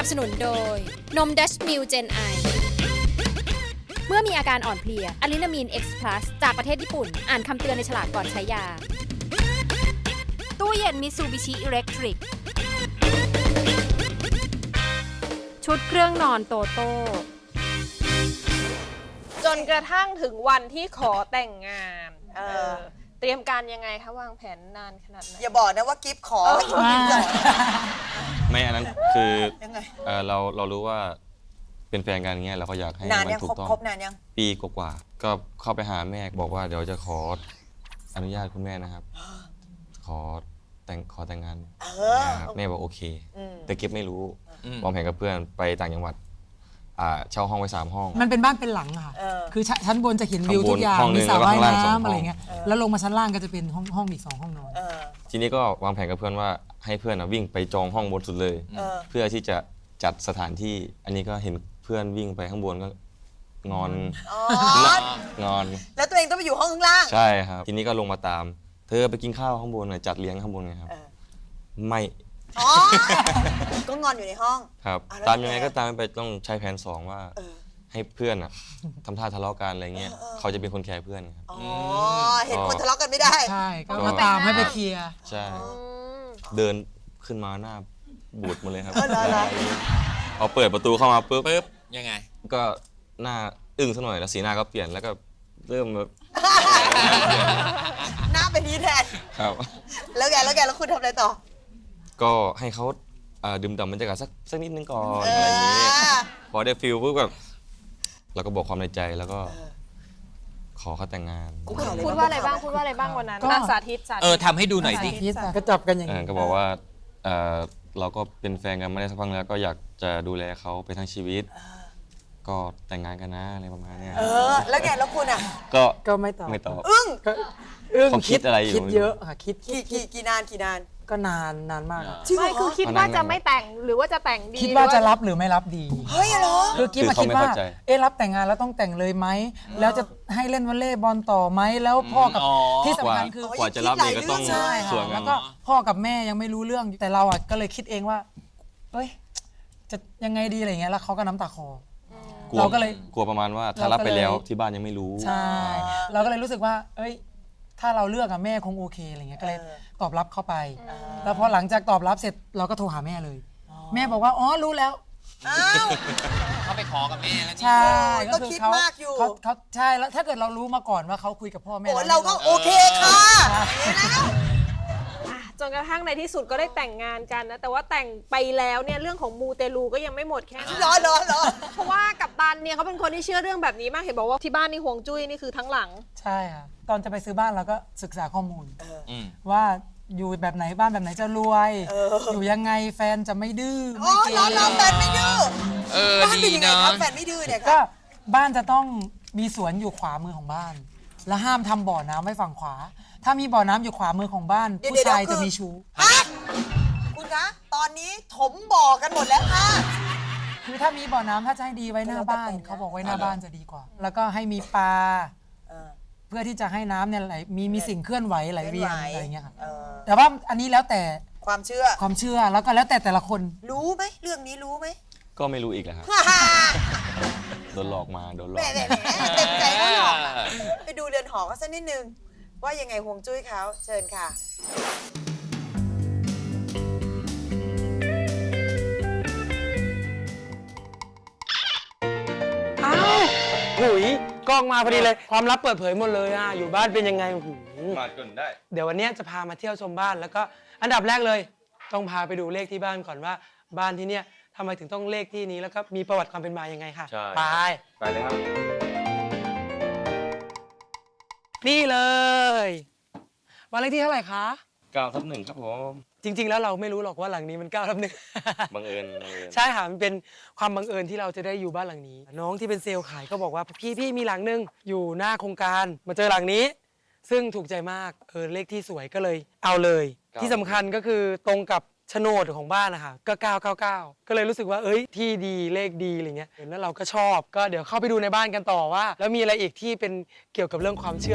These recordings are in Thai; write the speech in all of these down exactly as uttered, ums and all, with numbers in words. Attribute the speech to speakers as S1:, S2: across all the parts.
S1: นับสนุนโดยนมดัชมิลเจนไอเมื่อมีอาการอ่อนเพลียอะลินามีน X Plus จากประเทศญี่ปุ่นอ่านคำเตือนในฉลากก่อนใช้ยาตู้เย็นมิตซูบิชิอิเล็กทริกชุดเครื่องนอนโตโต้
S2: จนกระทั่งถึงวันที่ขอแต่งงาน
S3: เออ
S2: เออเตรียมการยังไงคะวางแผนนานขนาดไหน
S3: อย่าบอกนะว่ากิฟขอให้กิฟก่อน
S4: ไม่อันนั้นคือ
S3: ยังไง
S4: เอ่อเราเรารู้ว่าเป็นแฟนกันอย่างเงี้ยเราก็อยากให้
S3: นาน
S4: มั
S3: ยัง
S4: ถู
S3: คร
S4: ก
S3: บ
S4: ต้อง
S3: ครบนานยัง
S4: ปีกว่าๆก็เข้าไปหาแม่บอกว่าเดี๋ยวจะขออนุญาตคุณแม่นะครับ ขอแต่งขอแต่งงาน
S3: เออ
S4: นะครับแม่บอกโอเค
S3: อืม
S4: แต่เก็บไม่รู้วางแผนกับเพื่อนไปต่างจังหวัดอ่าเช่าห้องไว้สามห้อง
S5: มันเป็นบ้านเป็นหลังอะค่ะ
S3: เออ
S5: คือชั้นบนจะเห็นวิว
S4: ข้างบน
S5: ทุกอย่าง
S4: ห้องหนึ่
S5: มี
S4: ง
S5: สระว่าย
S4: แล้วก็ข้างล่างสองห้อง
S5: น้ำอะไรเงี้ย แล้วลงมาชั้นล่างก็จะเป็นห้องห้องอีกสองห้องนอน
S3: เออ
S4: ทีนี้ก็วางแผนกับเพื่อนว่าให้เพื่อนนะวิ่งไปจองห้องบนสุดเลย
S3: เออ
S4: เพื่อที่จะจัดสถานที่อันนี้ก็เห็นเพื่อนวิ่งไปข้างบนก็งอน
S3: อ๋อ
S4: งอน
S3: แล้วตัวเองต้องไปอยู่ห้องข้างล่าง
S4: ใช่ครับ ทีนี้ก็ลงมาตาม เธอไปกินข้าวข้างบนหน่อยจัดเลี้ยงข้างบนไงครับ
S3: เออ
S4: ไม่
S3: อ๋อ ก็งอนอยู่ในห้อง
S4: ครับ
S3: อ่ะแล้ว
S4: ตามยังไง
S3: ยังไง
S4: ก็ตามไปต้องใช้แผนสองว่า
S3: เออ
S4: ให้เพื่อนอ่ะทำท่าทะเลาะกันอะไรเงี้ย
S3: เออเออ
S4: เขาจะเป็นคนแคร์เพื่อนครับ
S3: อ๋อ เห็นคนทะเลาะกันไม่ได้
S5: ใช่ ก็มาตามให้ไปเคลียร์
S4: ใช่
S2: อืม
S4: เดินขึ้นมาหน้าบูดหมาเลยครับ
S3: เออเหรอเหรอ
S4: พอเปิดประตูเข้ามาปุ๊บ
S6: ปึ๊บยังไง
S4: ก็หน้าอึ้งซะหน่อยแล้วสีหน้าก็เปลี่ยนแล้วก็เริ่มแบบ
S3: หน้าเป็นนี้แทน
S4: ครับ
S3: แล้วแกแล้วแกแล้วคุณทำอะไรต่อ
S4: ก็ให้เขาเอ่อดื่มด่ำบรรยากาศสักสักนิดนึงก่อน
S3: เอ
S4: อะไรอย่างนี้
S3: อ
S4: พอได้ฟิลปุ๊บแบบเราก็บอกความในใจแล้วก็
S3: เออ
S4: ขอเขาแต่งงาน
S3: กูข่าวเลย
S2: พูดว่าอะไรบ้างพูดว่าอะไรบ้างวันนั้น
S5: ก็
S2: อ่ะสาธิตสาธิต
S6: เออทำให้ดูหน่อยดิ
S5: คิดก็จับกันอย่าง
S4: เออ
S5: นี้
S4: ก็บอกว่าเอ่อเราก็เป็นแฟนกันมาได้สักพักแล้วก็อยากจะดูแลเขาไปทั้งชีวิต ก็แต่งงานกันนะอะไรประมาณเนี้ย
S3: เออ แล้วแกแล้วคุณอ่ะ
S4: ก็
S5: ก็ไม่ตอบ
S4: ไม่ตอบ
S3: อึ้ง
S5: ก็อึ้ง
S4: เขาคิดอะไรอยู่
S5: คิดเยอะค่ะ คิด
S3: กี่กี่กี่นานกี่นาน
S5: ก็นานนานมากอะ
S3: จริงเหร
S2: ไม่คือคิดว่าจะไม่แต่งหรือว่าจะแต่งดี
S5: คิดว่า
S2: หอ
S5: จะรับหรือไม่รับดี
S3: เฮ้ยเหรอ
S5: คือกิ๊บมาคิดว่า เอ๊ะรับแต่งงานแล้วต้องแต่งเลยไหม แล้วจะให้เล่นวอลเลย์บอลต่อไหม แล้วพ่อกับ
S6: อ๋อ
S5: ที่สำคัญคือ
S4: กว่าจะรับเนี่ยก็ต้อง
S5: ใช่
S4: ส่ว
S5: ค่ะ
S4: นกั
S5: แล้
S4: น
S5: วก็พ่อกับแม่ยังไม่รู้เรื่อง แต่เราอ่ะก็เลยคิดเองว่า เอ้ย จะยังไงดีอะไรเงี้ย แล้วเขาก็น้ำตาคอ
S4: กลัว
S5: เราก็เลย
S4: กลัวประมาณว่าถ้า
S5: เรา
S4: รับ
S5: ก็
S4: ไป
S5: เลย
S4: แล้วที่บ้านยังไม่รู้
S5: ใช่ เราก็เลยรู้สึกว่า เอ้ย ถ้าเราเลือกอะแม่คงโอเคอะไรเงี้ย ก็เลย
S3: เออ
S5: ตอบรับเข้าไป แล้วพอหลังจากตอบรับเสร็จเราก็โทรหาแม่เลย แม่บอกว่า อ๋อ รู้แล้ว
S3: อ้าว
S6: เขาไปขอกับแม่แล้วนี่
S5: ใช่
S3: โอ้ย
S5: ก็คือ
S3: ก็คิด
S5: เขา
S3: มากอยู่
S5: เขาเขาใช่แล้วถ้าเกิดเรารู้มาก่อนว่าเขาคุยกับพ่อแม่
S3: โอ้
S5: แล้ว
S3: เราก็โอเคค่ะเห็นแล้ว
S2: อ่ะจนกระทั่งในที่สุดก็ได้แต่งงานกันนะแต่ว่าแต่งไปแล้วเนี่ยเรื่องของมูเตลูก็ยังไม่หมดแค่นั้น
S3: รอรอรอ
S2: เพราะว่ากัปตันเนี่ยเขาเป็นคนที่เชื่อเรื่องแบบนี้มากเห็นบอกว่าที่บ้านนี่ห่วงจุ้ยนี่คือทั้งหลัง
S5: ใช่ค่ะตอนจะไปซื้อบ้านเราก็ศึกษาข้อมูล
S6: อืม
S5: ว่าอยู่แบบไหนบ้านแบบไหนจะรวย
S3: เออ
S5: อยู่ยังไงแฟนจะไม่ดื้อ
S3: อ๋อ
S5: ไม่เก
S3: รอรอแฟนไม่ดื้อ
S6: เออ
S3: บ้าน
S6: ดี
S3: เป็นยังไง
S6: เนาะ
S3: ครับแฟนไม่ดื้อเนี่ย
S5: ก็
S3: ค่ะ
S5: บ้านจะต้องมีสวนอยู่ขวามือของบ้าน และห้ามทำบ่อน้ำไว้ฝั่งขวา ถ้ามีบ่อน้ำอยู่ขวามือของบ้าน ผู้ชายจะมีชู้
S3: ฮะคุณคะ ตอนนี้ถมบ่อกันหมดแล้วค่ะ
S5: คือถ้ามีบ่อน้ำถ้าจะให้ดีไว้หน้าบ้าน เขาบอกไว้หน้าบ้านจะดีกว่า แล้วก็ให้มีปลา
S3: เออ
S5: เพื่อที่จะให้น้ำเนี่ยไหลมีมีสิ่งเคลื่อนไหวไหลเวียน
S3: เคลื่อนไหว
S5: อะไรอย่างเงี้ยค่ะ
S3: เออ
S5: แต่ว่าอันนี้แล้วแต่
S3: ความเชื่อ
S5: ความเชื่อแล้วก็แล้วแต่แต่ละคน
S3: รู้ไหมเรื่องนี้รู้ไหม
S4: ก็ไม่รู้อีกแหละครับ
S3: ฮ่าฮ่า
S4: โดนหลอกมาโดนหล
S3: แหม
S4: อก
S3: แหมแหมเต็มใจเขาหรอกอะไปดูเรือนหอเขาสักนิดนึง ว่ายังไงห่วงจุ้ยเขาเชิญค่ะ
S7: อ้าวหุยกล้องมาพอดีเลย ความลับเปิดเผยหมดเลยอ่ะ อยู่บ้านเป็นยังไงหู
S4: มาจนได้
S7: เดี๋ยววันนี้จะพามาเที่ยวชมบ้าน แล้วก็อันดับแรกเลย ต้องพาไปดูเลขที่บ้านก่อนว่าบ้านที่เนี่ยทำไมถึงต้องเลขที่นี้แล้วก็มีประวัติความเป็นมายังไงค่ะ
S4: ใช่
S7: ไป
S4: ไปเลยครับ
S7: นี่เลยบ้านเลขที่เท่าไหร่คะ
S4: เก้าทับหนึ่งครับผม
S7: จริง ๆ แล้วเราไม่รู้หรอกว่าหลังนี้มันเก้าทับหนึ่ง
S4: บังเอิญบังเอิญ
S7: ใช่ค่ะมันเป็นความบังเอิญที่เราจะได้อยู่บ้านหลังนี้ น้องที่เป็นเซลล์ขายก็บอกว่าพี่พี่มีหลังนึงอยู่หน้าโครงการมาเจอหลังนี้ ซึ่งถูกใจมากเออเลขที่สวยก็เลยเอาเลย ที่สำคัญก็คือตรงกับโฉนดของบ้านนะคะก็เก้าเก้าเก้าก็เลยรู้สึกว่าเอ้ยที่ดีเลขดีอะไรเงี้ยเห็นแล้วเราก็ชอบก็เดี๋ยวเข้าไปดูในบ้านกันต่อว่า แล้วมีอะไรอีกที่เป็นเกี่ยวกับเรื่องความเชื่อ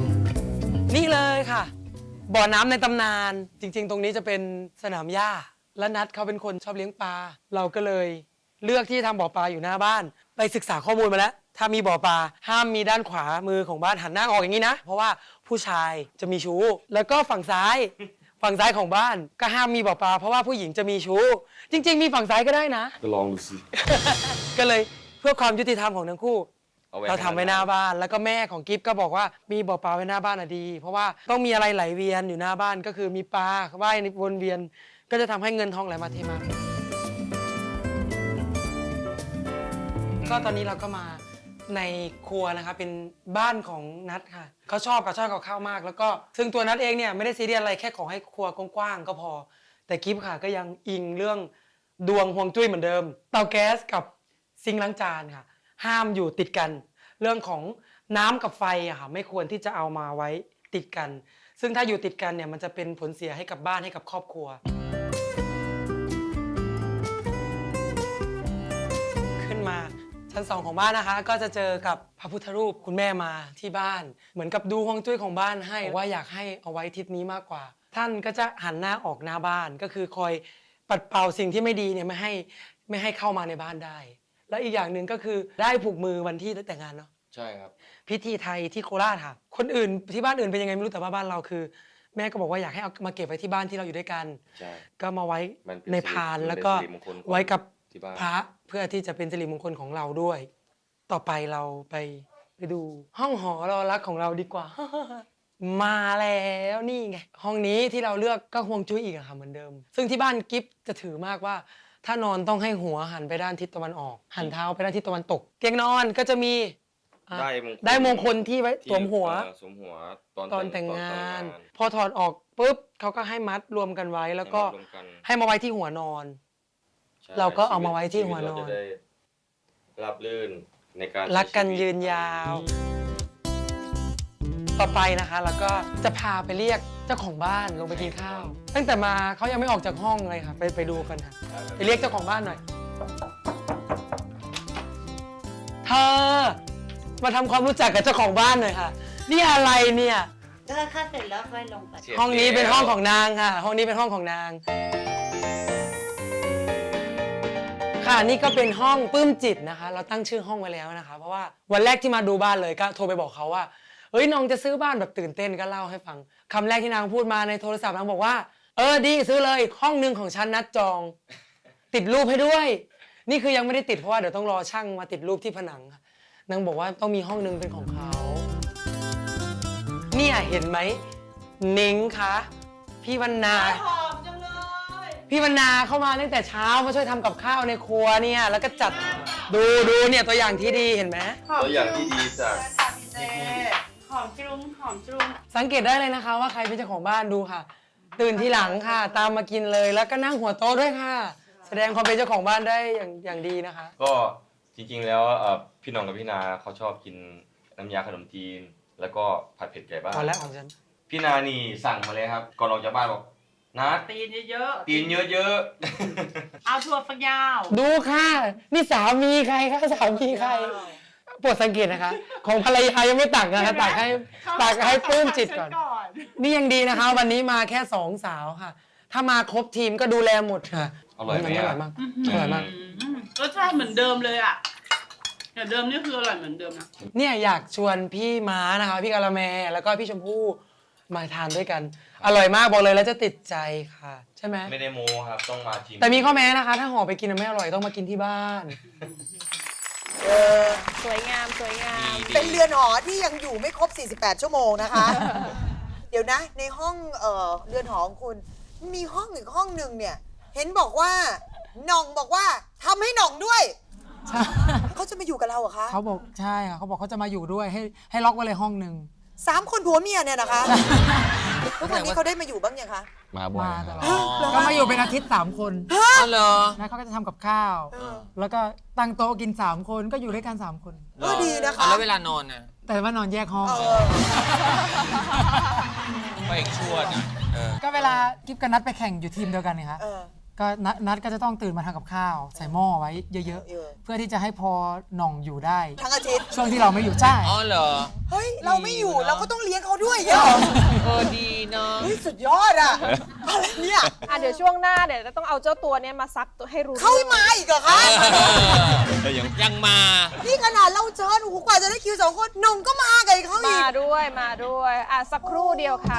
S7: นี่เลยค่ะ บ่อน้ำในตำนานจริง ๆ ตรงนี้จะเป็นสนามหญ้าและนัดเขาเป็นคนชอบเลี้ยงปลาเราก็เลยเลือกที่ทำบ่อปลาอยู่หน้าบ้าน ไปศึกษาข้อมูลมาแล้ว ถ้ามีบ่อปลาห้ามมีด้านขวามือของบ้านหันหน้าออกอย่างนี้นะเพราะว่าผู้ชายจะมีชู้แล้วก็ฝั่งซ้ายฝั่งซ้ายของบ้านก็ห้ามมีบ่อปลาเพราะว่าผู้หญิงจะมีชู้จริง ๆ มีฝั่งซ้ายก็ได้นะ
S4: ก็ลองดูสิ
S7: ก็เลยเพื่อความยุติธรรมของทั้งคู่
S4: อว้
S7: เราทำไว้หน้าบ้านแล้วก็แม่ของกิฟก็บอกว่ามีบ่อปลาไว้หน้าบ้านอะดี เพราะว่าต้องมีอะไรไหลเวียนอยู่หน้าบ้านก็คือมีปลาว่ายวนเวียน ก็จะทำให้เงินทองไหลมาเทมาก็ตอนนี้เราก็มาในครัวนะคะเป็นบ้านของนัทค่ะเขาชอบกับชอบกับข้าวมาก แล้วก็ซึ่งตัวนัทเองเนี่ยไม่ได้ซีเรียสอะไรแค่ขอให้ครัวกว้างๆก็พอ แต่กิฟค่ะก็ยังอิงเรื่องดวงฮวงจุ้ยเหมือนเดิมเตาแก๊สกับซิงค์ล้างจานค่ะห้ามอยู่ติดกัน เรื่องของน้ำกับไฟอะค่ะไม่ควรที่จะเอามาไว้ติดกัน ซึ่งถ้าอยู่ติดกันเนี่ยมันจะเป็นผลเสียให้กับบ้านให้กับครอบครัวขึ้นมาชั้นสองของบ้านนะคะก็จะเจอกับพระพุทธรูปคุณแม่มาที่บ้านเหมือนกับดูฮวงจุ้ยของบ้านให้ว่าอยากให้เอาไว้ทิศนี้มากกว่า ท่านก็จะหันหน้าออกหน้าบ้านก็คือคอยปัดเป่าสิ่งที่ไม่ดีเนี่ยไม่ให้ไม่ให้เข้ามาในบ้านได้แล้วอีกอย่างหนึ่งก็คือได้ผูกมือวันที่แต่งงานเนาะ
S4: ใช่ครับ
S7: พิธีไทยที่โคราชค่ะคนอื่นที่บ้านอื่นเป็นยังไงไม่รู้แต่ว่าบ้านเราคือ แม่ก็บอกว่าอยากให้เอามาเก็บไว้ที่บ้านที่เราอยู่ด้วยกัน
S4: ใช่
S7: ก็มาไว้
S4: มันเป็น
S7: ในพาน
S4: สิริ
S7: แล้วก็
S4: มันเป็นสิริมงคลของ
S7: ไว้กับ
S4: ที่บ้าน
S7: พระเพื่อที่จะเป็นสิริมงคลของเราด้วย ต่อไปเราไปไปดูห้องหอรอรักของเราดีกว่า มาแล้วนี่ไงห้องนี้ที่เราเลือกก็ฮวงจุ้ยอีกอะค่ะเหมือนเดิม ซึ่งที่บ้านกิฟจะถือมากว่า ถ้านอนต้องให้หัวหันไปด้านทิศตะวันออก หันเท้าไปด้านทิศตะวันตก เตียงนอนก็จะมีอ่ะ
S4: ได้มงคล
S7: ได้มงคลที่ไว้
S4: ที่
S7: สวมหัว
S4: เอ่อสวมหัวตอน
S7: ตอนแต่งงาน
S4: ตอน
S7: พอถอดออกปุ๊บเขาก็ให้มัดรวมกันไว้แล้วก็
S4: ให้มารวมกัน
S7: ให้มาไว้ที่หัวนอน
S4: ใช่
S7: เราก็เอามาไว้ที่
S4: ชี
S7: หัวนอน
S4: เราจะได้รับลื่นในการ
S7: รักกัน
S4: ใช้ชีวิต
S7: ยืนยาว ต่อไปนะคะแล้วก็จะพาไปเรียกเจ้าของบ้านลงไปกินข้าว ตั้งแต่มาเขายังไม่ออกจากห้องเลยค่ะไปไปดูกันค่ะไปเรียกเจ้าของบ้านหน่อยเธอมาทำความรู้จักกับเจ้าของบ้านหน่อยค่ะนี่อะไรเนี่ย
S8: ก็ค่าเสร็จแล้วค่อยลงไป
S4: เชียร์
S7: ห้องนี้เป็นห้องของนางค่ะ ห้องนี้เป็นห้องของนาง ค่ะนี่ก็เป็นห้องปลื้มจิตนะคะ เราตั้งชื่อห้องไว้แล้วนะคะ เพราะว่าวันแรกที่มาดูบ้านเลยก็โทรไปบอกเขาว่าเฮ้ยน้องจะซื้อบ้านแบบตื่นเต้นก็เล่าให้ฟังคำแรกที่นางพูดมาในโทรศัพท์นางบอกว่าเออดีซื้อเลยห้องหนึ่งของฉันนัดจอง ติดรูปให้ด้วย นี่คือยังไม่ได้ติดเพราะว่าเดี๋ยวต้องรอช่างมาติดรูปที่ผนังค่ะนางบอกว่าต้องมีห้องหนึ่งเป็นของเขาเนี่ยเห็นไหมนิ้งคะพี่วรรณา
S3: หอมจังเลย
S7: พี่วรรณาเข้ามาตั้งแต่เช้ามาช่วยทำกับข้าวในครัวเนี่ยแล้วก็จัดดูดูเนี่ยตัวอย่างที่ดีเห็นไหม
S4: ตัวอย่างที่ดีจาก
S8: หอมจุ้งหอมจุ้ง
S7: สังเกตได้เลยนะคะว่าใครเป็นเจ้าของบ้านดูค่ะ ตื่นทีหลังค่ะ ตามมากินเลยแล้วก็นั่งหัวโต๊ะด้วยค่ะ แสดงความเป็นเจ้าของบ้านได้อย่างอย่างดีนะคะ
S4: ก็จริงๆแล้วเอ่อพี่หน้องกับพี่นาเขาชอบกินน้ำยาขนมจีน แล้วก็ผัดเผ็ดไก่บ้าน
S7: ตอนแรกของฉัน
S4: พี่นานี่สั่งมาเลยครับก่อนออกจากบ้านบอกนัด
S8: ตีนเยอะ
S4: ตีนเยอะ
S8: ๆ เอาถั่วฝักยาว
S7: ดูค่ะ นี่สามีใครคะสามีใครโปรดสังเกตนะคะ ของภรรยายังไม่ตักนะคะตักให้ตักให้ปลื้มจิตก่อน นี่ยังดีนะคะ วันนี้มาแค่สองสาวค่ะ ถ้ามาครบทีมก็ดูแลหมดค่ะ
S4: ๆอร่อยไหม
S7: อ
S4: อะ
S7: ร่อยมากอร่อยมาก
S8: อืมรสชาติเหมือนเดิมเลยอ่ะอย่างเดิมนี่คืออร่อยเหมือนเดิมนะ
S7: เนี่ยอยากชวนพี่ม้านะคะพี่กาละแมแล้วก็พี่ชมพู่มาทานด้วยกัน อร่อยมากบอกเลยแล้วจะติดใจค่ะ ใช่ไหม
S4: ไม่ได้โมครับต้องมาชิม
S7: แต่มีข้อแม้นะคะ ถ้าห่อไปกินไม่อร่อยต้องมากินที่บ้าน
S3: เออ
S2: สวยงามสวยงาม
S3: เป็นเรือนหอที่ยังอยู่ไม่ครบ สี่สิบแปด ชั่วโมงนะคะ เดี๋ยวนะ ในห้องเออเรือนหอของคุณมีห้องอีกห้องหนึ่งเนี่ย เห็นบอกว่าหน่องบอกว่าทำให้หน่องด้วย
S5: ใช่
S3: เขาจะมาอยู่กับเราเหรอคะ
S5: เขาบอกใช่ค่ะเขาบอกเขาจะมาอยู่ด้วยให้ให้ล็อกไว้เลยห้องหนึ่ง
S3: สามคนผัวเมียเนี่ยนะคะทุกวันนี้เขาได้มาอยู่บ้างยังคะ
S4: มาบ่อย
S5: มา
S4: ค
S5: ต
S4: รับ
S5: ลอดก็มาอยู่เป็นอาทิตย์สามคน
S6: อ๋อเหรอ
S5: แล้วเขาก็จะทำกับข้าว
S3: เออ
S5: แล้วก็ตั้งโต๊ะกินสามคนก็อยู่ด้วยกันสามคน
S3: เออดีนะคะ
S6: อ่แล้วเวลานอนน่ะ
S5: แต่ว่านอนแยกห้อง
S3: เออ
S6: พ่อเอกชวดนะเออ
S5: ก็เวลากิฟกับนัดไปแข่งอยู่ทีมเดียวกันเนี่ยคะ
S3: เออ
S5: ก็นัดนัดก็จะต้องตื่นมาทำกับข้าว ใส่หม้อไว้เยอะ
S3: เออ
S5: ๆ เพื่อที่จะให้พอหน่องอยู่ได้
S3: ทั้งอาทิตย์
S5: ช่วงที่เราไม่อยู่ใช่
S6: อ๋อเหรอ
S3: เฮ้ย เราไม่อยู่
S6: ดีเนอะ
S3: เราก็ต้องเลี้ยงเขาด้วยเหรอ
S6: เออดีเนาะ
S3: เฮ้ยสุดดยอดอะอะไรเนี่ย
S2: อ่ะเดี๋ยวช่วงหน้าเดี๋ยวจะต้องเอาเจ้าตัวเนี้ยมาซักให้รู้
S3: เขาให้มาอีกเหรอคะ
S4: เอ้ยยัง
S6: ยังมา
S3: นี่ขนาดเราเชิญโอ้โหกว่าจะได้คิวสองคนหนงก็มากับเขาอี
S2: มาก ด้วยมาด้วยอ่ะสักครู่เดียวค่ะ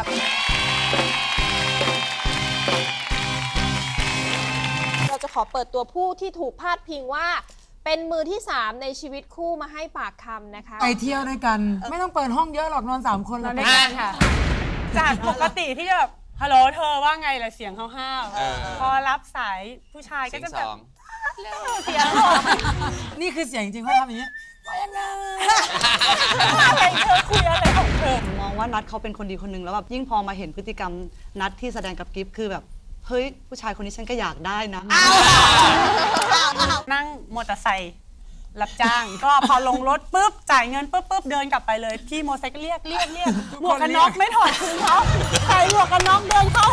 S2: เราจะขอเปิดตัวผู้ที่ถูกพาดพิงว่า เป็นมือที่สามในชีวิตคู่มาให้ปากคำนะคะ
S5: ไปเที่ยวด้วยกัน ไม่ต้องเปิดห้องเยอะหรอกนอนสามคนเรา
S8: ด้วยกันค่ะ จากปกติที่จะแบบฮัลโหลเธอว่าไงล่ะเสียงห้าว
S6: เออ
S8: ๆพอรับสายผู้ชายก็
S6: เสียง
S8: จะ
S6: ส
S8: แบบ
S6: อง
S8: เสียงหก
S5: นี่คือเสียงจริงเขาทำอย่างนี้
S8: อะไรเธอคุยอะไรของเธอ
S9: มองว่านัทเขาเป็นคนดีคนหนึ่งแล้วแบบยิ่งพอมาเห็นพฤติกรรมนัทที่แสดงกับกิฟต์คือแบบเฮ้ยผู้ชายคนนี้ฉันก็อยากได้นะ
S8: นั่งมอเตอร์ไซค์รับจ้าง ก็พอลงรถปุ๊บจ่ายเงินปุ๊บปุ๊บเดินกลับไปเลยพี่มอเตอร์ไซค์ก็เรียกเรียกเรียกหมวกกันน็อกไม่ถอดคืนเขาใส่หมวกกันน็อกเดินเข้า